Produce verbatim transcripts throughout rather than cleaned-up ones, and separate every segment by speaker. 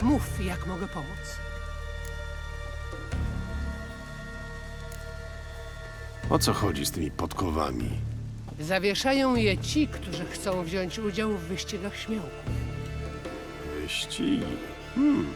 Speaker 1: Mów, jak mogę pomóc.
Speaker 2: O co chodzi z tymi podkowami?
Speaker 1: Zawieszają je ci, którzy chcą wziąć udział w wyścigach śmiałków.
Speaker 2: Wyścigi. Hmm.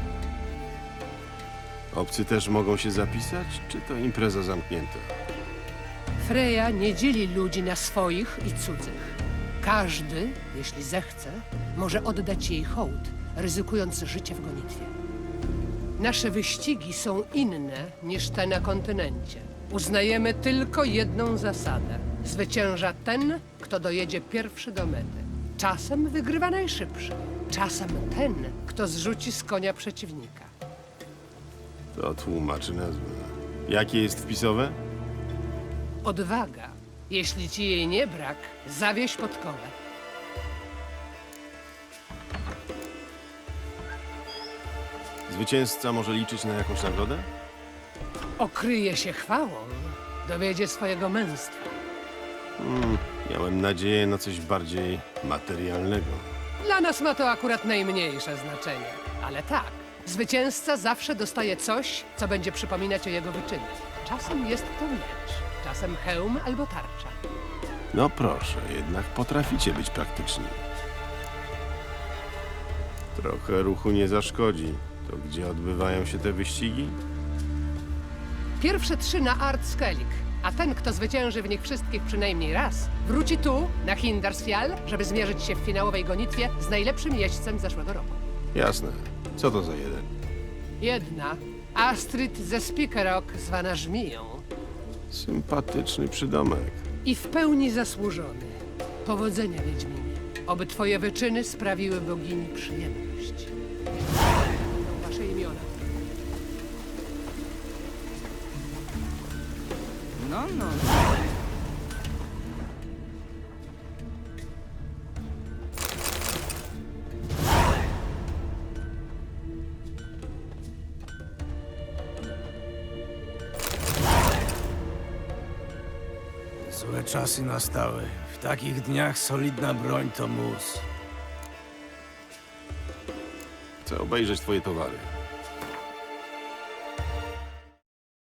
Speaker 2: Obcy też mogą się zapisać, czy to impreza zamknięta?
Speaker 1: Freja nie dzieli ludzi na swoich i cudzych. Każdy, jeśli zechce, może oddać jej hołd, ryzykując życie w gonitwie. Nasze wyścigi są inne niż te na kontynencie. Uznajemy tylko jedną zasadę. Zwycięża ten, kto dojedzie pierwszy do mety. Czasem wygrywa najszybszy. Czasem ten, kto zrzuci z konia przeciwnika.
Speaker 2: To tłumaczy nazwę. Jakie jest wpisowe?
Speaker 1: Odwaga. Jeśli ci jej nie brak, zawieź podkowę.
Speaker 2: Zwycięzca może liczyć na jakąś nagrodę?
Speaker 1: Okryje się chwałą, dowiedzie swojego męstwa.
Speaker 2: Miałem nadzieję na coś bardziej materialnego.
Speaker 1: Dla nas ma to akurat najmniejsze znaczenie. Ale tak, zwycięzca zawsze dostaje coś, co będzie przypominać o jego wyczynie. Czasem jest to miecz, czasem hełm albo tarcza.
Speaker 2: No proszę, jednak potraficie być praktyczni. Trochę ruchu nie zaszkodzi. To gdzie odbywają się te wyścigi?
Speaker 1: Pierwsze trzy na Art Skellig, a ten, kto zwycięży w nich wszystkich przynajmniej raz, wróci tu, na Hindarsfjall, żeby zmierzyć się w finałowej gonitwie z najlepszym jeźdźcem zeszłego roku.
Speaker 2: Jasne. Co to za jeden?
Speaker 1: Jedna, Astrid ze Spikerok, zwana Żmiją.
Speaker 2: Sympatyczny przydomek.
Speaker 1: I w pełni zasłużony. Powodzenia, Wiedźminie. Oby twoje wyczyny sprawiły bogini przyjemność. To wasze imiona.
Speaker 3: No, no.
Speaker 4: Złe czasy nastały. W takich dniach solidna broń to mus.
Speaker 2: Chcę obejrzeć twoje towary.